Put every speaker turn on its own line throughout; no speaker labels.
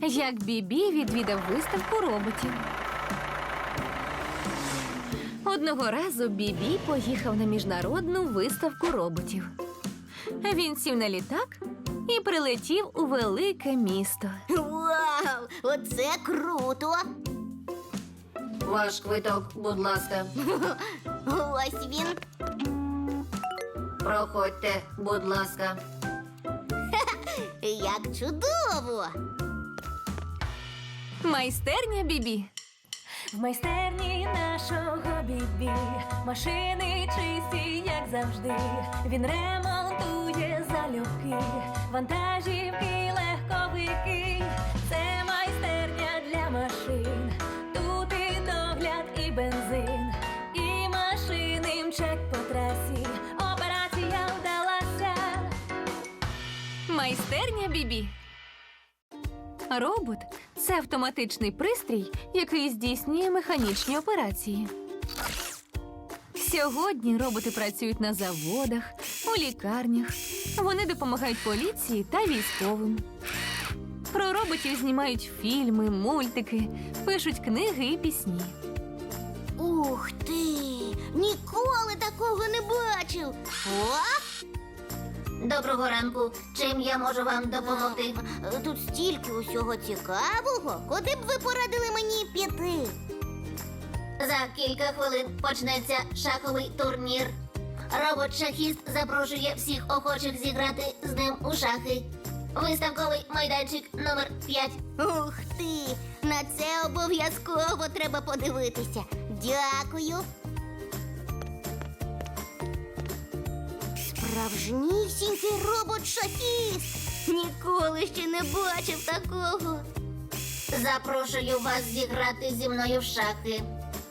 Як Бібі відвідав виставку роботів. Одного разу Бібі поїхав на міжнародну виставку роботів. Він сів на літак і прилетів у велике місто.
Вау! Оце круто!
Ваш квиток, будь ласка.
Ось він.
Проходьте, будь ласка.
Як чудово!
Майстерня Бібі.
В майстерні нашого Бібі машини чисті, як завжди. Він ремонтує залюбки, вантажівки, легковики. Це майстерня для машин. Тут і догляд, і бензин, і машини мчать по трасі. Операція вдалася.
Майстерня Бібі. Робот – це автоматичний пристрій, який здійснює механічні операції. Сьогодні роботи працюють на заводах, у лікарнях. Вони допомагають поліції та військовим. Про роботів знімають фільми, мультики, пишуть книги і пісні.
Ух ти! Ніколи такого не бачив! О!
Доброго ранку. Чим я можу вам допомогти?
Тут стільки усього цікавого. Куди б ви порадили мені піти?
За кілька хвилин почнеться шаховий турнір. Робот-шахіст запрошує всіх охочих зіграти з ним у шахи. Виставковий майданчик номер 5.
Ух ти! На це обов'язково треба подивитися. Дякую. Справжнісінький робот-шахіст! Ніколи ще не бачив такого.
Запрошую вас зіграти зі мною в шахи.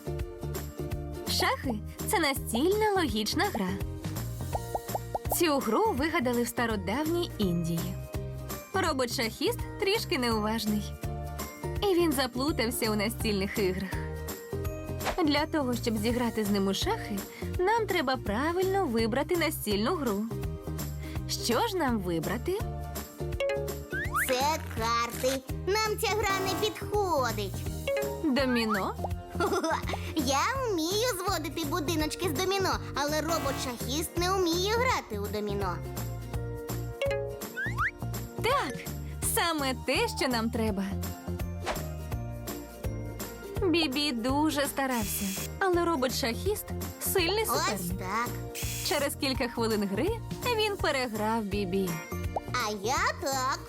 Шахи – це настільна логічна гра. Цю гру вигадали в стародавній Індії. Робот-шахіст трішки неуважний. І він заплутався у настільних іграх. Для того, щоб зіграти з ним у шахи, нам треба правильно вибрати настільну гру. Що ж нам вибрати?
Це карти. Нам ця гра не підходить.
Доміно?
Я вмію зводити будиночки з доміно, але робот-шахіст не вміє грати у доміно.
Так, саме те, що нам треба. Бібі дуже старався, але робот-шахіст – сильний
Ось
суперник.
так.
Через кілька хвилин гри він переграв Бібі.
А я так.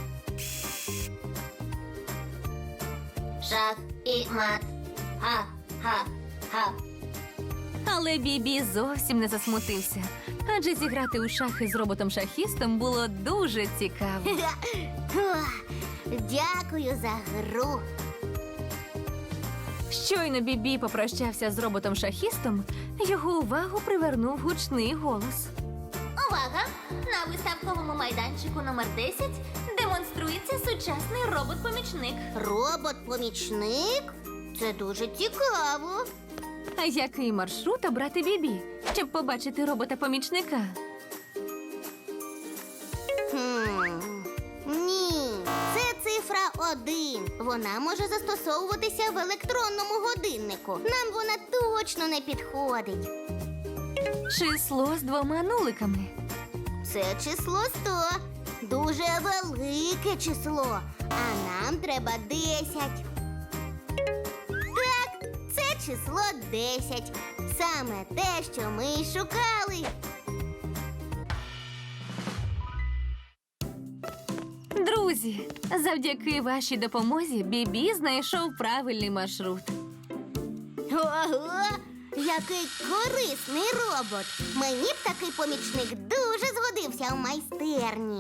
Шах і мат. Ха-ха-ха.
Але Бібі зовсім не засмутився, адже зіграти у шахи з роботом-шахістом було дуже цікаво.
Дякую за гру.
Щойно Бібі попрощався з роботом-шахістом, його увагу привернув гучний голос.
Увага! На виставковому майданчику номер 10 демонструється сучасний робот-помічник.
Робот-помічник? Це дуже цікаво.
А який маршрут обрати Бібі, щоб побачити робота-помічника?
Ні, це цифра 1. Вона може застосовуватися в електронному годиннику. Нам вона точно не підходить.
Число з 2 нуликами.
Це число 100. Дуже велике число. А нам треба 10. Так, це число 10. Саме те, що ми й шукали.
Друзі, завдяки вашій допомозі Бібі знайшов правильний маршрут.
Ого! Який корисний робот! Мені б такий помічник дуже згодився в майстерні.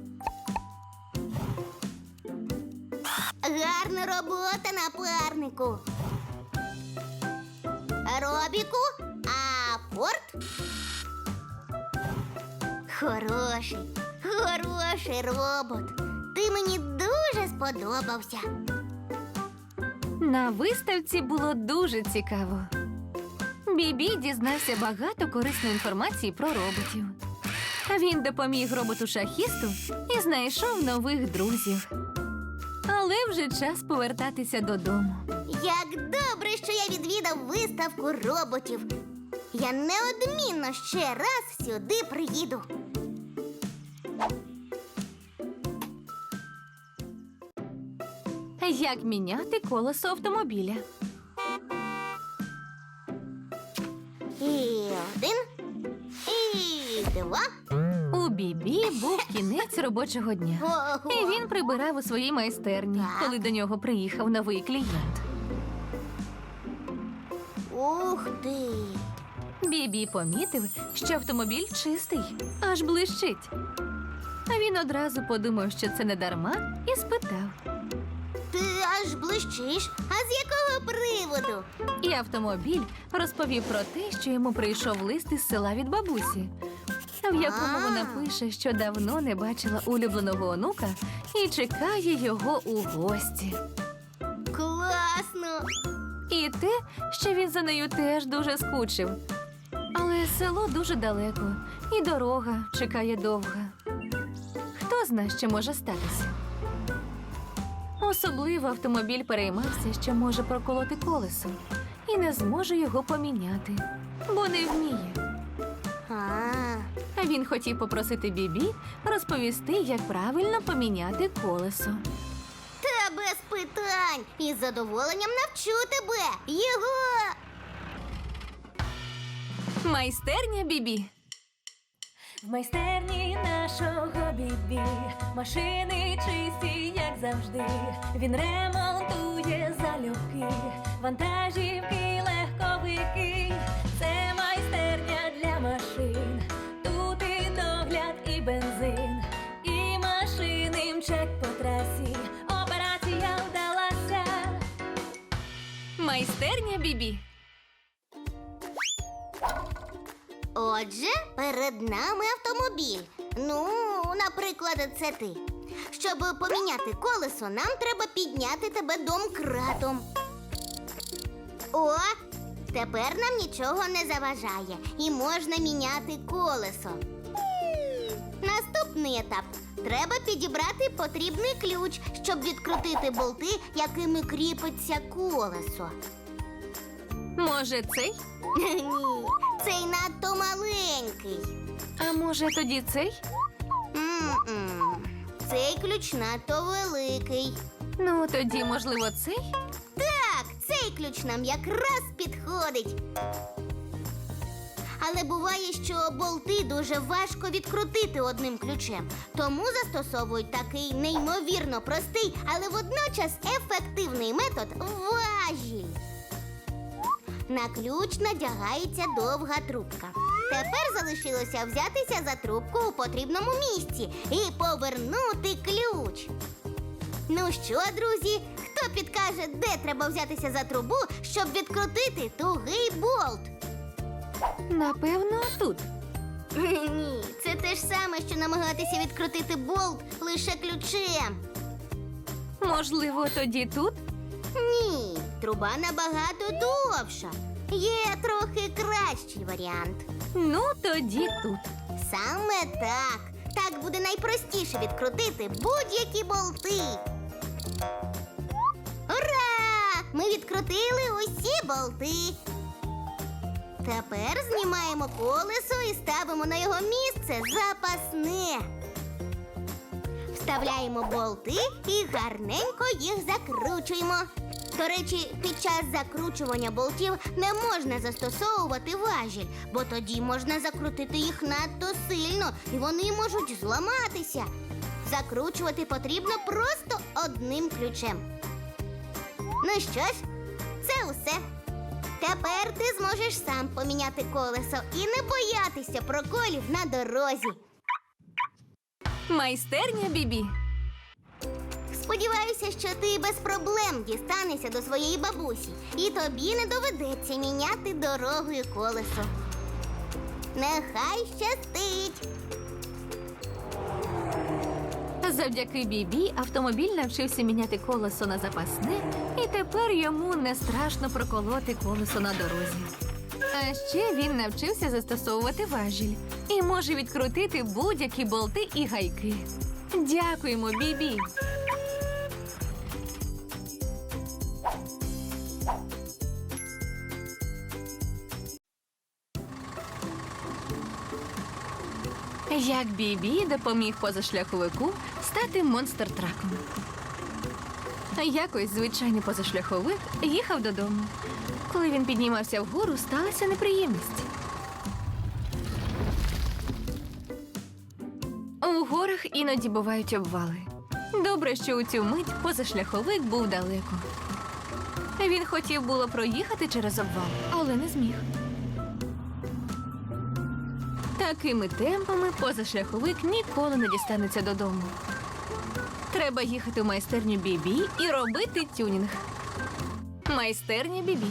Гарна робота, напарнику. Робіку, апорт. Хороший робот. Ти мені дуже сподобався.
На виставці було дуже цікаво. Бібі дізнався багато корисної інформації про роботів. Він допоміг роботу-шахісту і знайшов нових друзів. Але вже час повертатися додому.
Як добре, що я відвідав виставку роботів. Я неодмінно ще раз сюди приїду.
Як міняти колесо автомобіля?
І один, і два.
У Бібі був кінець робочого дня.
Ого.
І він прибирав у своїй майстерні,
Так.
коли до нього приїхав новий клієнт.
Ух ти!
Бібі помітив, що автомобіль чистий, аж блищить. А він одразу подумав, що це не дарма, і спитав.
Ти аж блищиш. А з якого приводу?
І автомобіль розповів про те, що йому прийшов лист із села від бабусі, в якому вона пише, що давно не бачила улюбленого онука і чекає його у гості.
Класно!
І те, що він за нею теж дуже скучив. Але село дуже далеко, і дорога чекає довга. Хто зна, що може статися? Особливо автомобіль переймався, що може проколоти колесо, і не зможе його поміняти, бо не вміє. А він хотів попросити Бібі розповісти, як правильно поміняти колесо.
Та без питань. Із задоволенням навчу тебе. Його!
Майстерня Бібі.
В майстерні нашого Бібі машини чисті, як завжди. Він ремонтує залюбки, вантажівки, легковики. Це майстерня для машин. Тут і догляд, і бензин, і машини мчать по трасі. Операція вдалася.
Майстерня Бібі.
Отже, перед нами автомобіль. Ну, наприклад, це ти. Щоб поміняти колесо, нам треба підняти тебе домкратом. О, тепер нам нічого не заважає і можна міняти колесо. Наступний етап. Треба підібрати потрібний ключ, щоб відкрутити болти, якими кріпиться колесо.
Може, цей?
Ні, цей надто маленький.
А може, тоді цей?
М-м. Цей ключ надто великий.
Ну, тоді, можливо, цей?
Так, цей ключ нам якраз підходить. Але буває, що болти дуже важко відкрутити одним ключем. Тому застосовують такий неймовірно простий, але водночас ефективний метод – важіль. На ключ надягається довга трубка. Тепер залишилося взятися за трубку у потрібному місці і повернути ключ. Ну що, друзі, хто підкаже, де треба взятися за трубу, щоб відкрутити тугий болт?
Напевно, тут.
Ні, це те ж саме, що намагатися відкрутити болт лише ключем.
Можливо, тоді тут?
Ні, труба набагато довша. Є трохи кращий варіант.
Ну, тоді тут.
Саме так. Так буде найпростіше відкрутити будь-які болти. Ура! Ми відкрутили усі болти. Тепер знімаємо колесо і ставимо на його місце запасне. Вставляємо болти і гарненько їх закручуємо. До речі, під час закручування болтів не можна застосовувати важіль, бо тоді можна закрутити їх надто сильно і вони можуть зламатися. Закручувати потрібно просто одним ключем. Ну що ж, це усе. Тепер ти зможеш сам поміняти колесо і не боятися проколів на дорозі.
Майстерня Бібі.
Сподіваюся, що ти без проблем дістанешся до своєї бабусі, і тобі не доведеться міняти дорогою колесо. Нехай щастить!
Завдяки Бібі автомобіль навчився міняти колесо на запасне, і тепер йому не страшно проколоти колесо на дорозі. А ще він навчився застосовувати важіль і може відкрутити будь-які болти і гайки. Дякуємо, Бібі! Як Бібі допоміг позашляховику стати монстр-траком. Якось звичайний позашляховик їхав додому. Коли він піднімався вгору, сталася неприємність. У горах іноді бувають обвали. Добре, що у цю мить позашляховик був далеко. Він хотів було проїхати через обвал, але не зміг. Такими темпами позашляховик ніколи не дістанеться додому. Треба їхати в майстерню Бібі і робити тюнінг. Майстерня Бібі.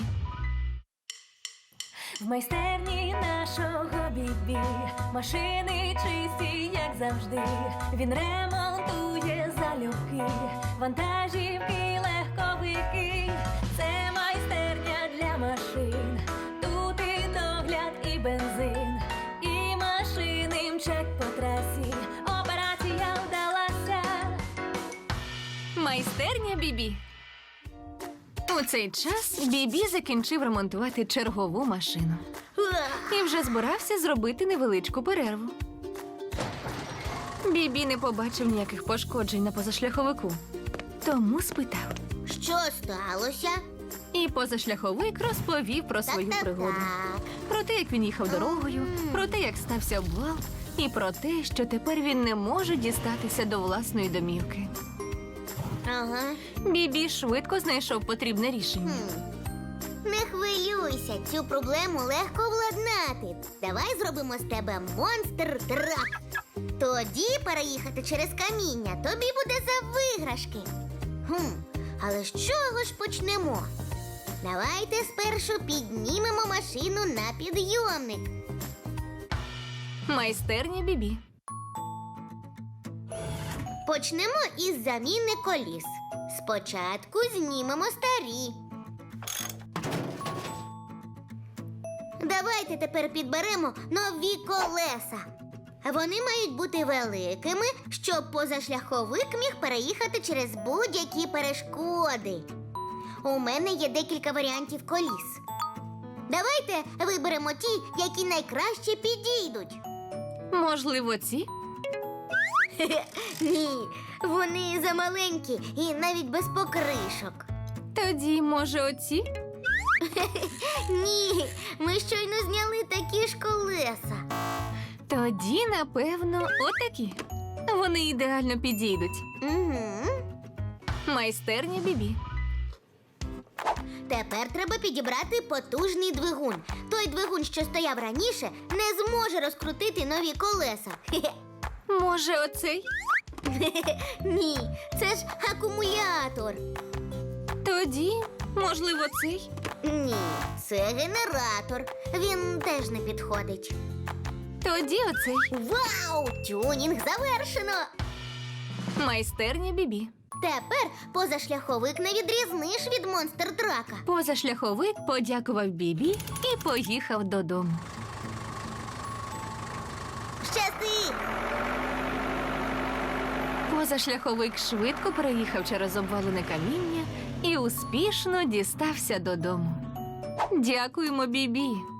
В майстерні нашого Бібі машини чисті, як завжди. Він ремонтує залюбки, вантажівки, легковики. Це майстерня для машин. Тут і догляд, і бензин, і машини мчать по трасі. Операція вдалася.
Майстерня Бібі. У цей час Бібі закінчив ремонтувати чергову машину. І вже збирався зробити невеличку перерву. Бібі не побачив ніяких пошкоджень на позашляховику. Тому спитав.
Що сталося?
І позашляховик розповів про свою пригоду. Про те, як він їхав дорогою, про те, як стався обвал, і про те, що тепер він не може дістатися до власної домівки.
Ага.
Бібі швидко знайшов потрібне рішення.
Не хвилюйся, цю проблему легко владнати. Давай зробимо з тебе монстр-трак. Тоді переїхати через каміння тобі буде за виграшки. Але з чого ж почнемо? Давайте спершу піднімемо машину на підйомник.
Майстерня Бібі.
Почнемо із заміни коліс. Спочатку знімемо старі. Давайте тепер підберемо нові колеса. Вони мають бути великими, щоб позашляховик міг переїхати через будь-які перешкоди. У мене є декілька варіантів коліс. Давайте виберемо ті, які найкраще підійдуть.
Можливо, ці?
Ні, вони замаленькі і навіть без покришок.
Тоді, може, оці?
Ні, ми щойно зняли такі ж колеса.
Тоді, напевно, отакі. Вони ідеально підійдуть.
Угу.
Майстерня Бібі.
Тепер треба підібрати потужний двигун. Той двигун, що стояв раніше, не зможе розкрутити нові колеса.
Може, оцей?
Ні, це ж акумулятор.
Тоді, можливо, цей?
Ні, це генератор. Він теж не підходить.
Тоді оцей.
Вау! Тюнінг завершено!
Майстерня Бібі.
Тепер позашляховик не відрізниш від монстр-трака.
Позашляховик подякував Бібі і поїхав додому.
Щасти!
Позашляховик швидко переїхав через обвалене каміння і успішно дістався додому. Дякуємо, Бібі.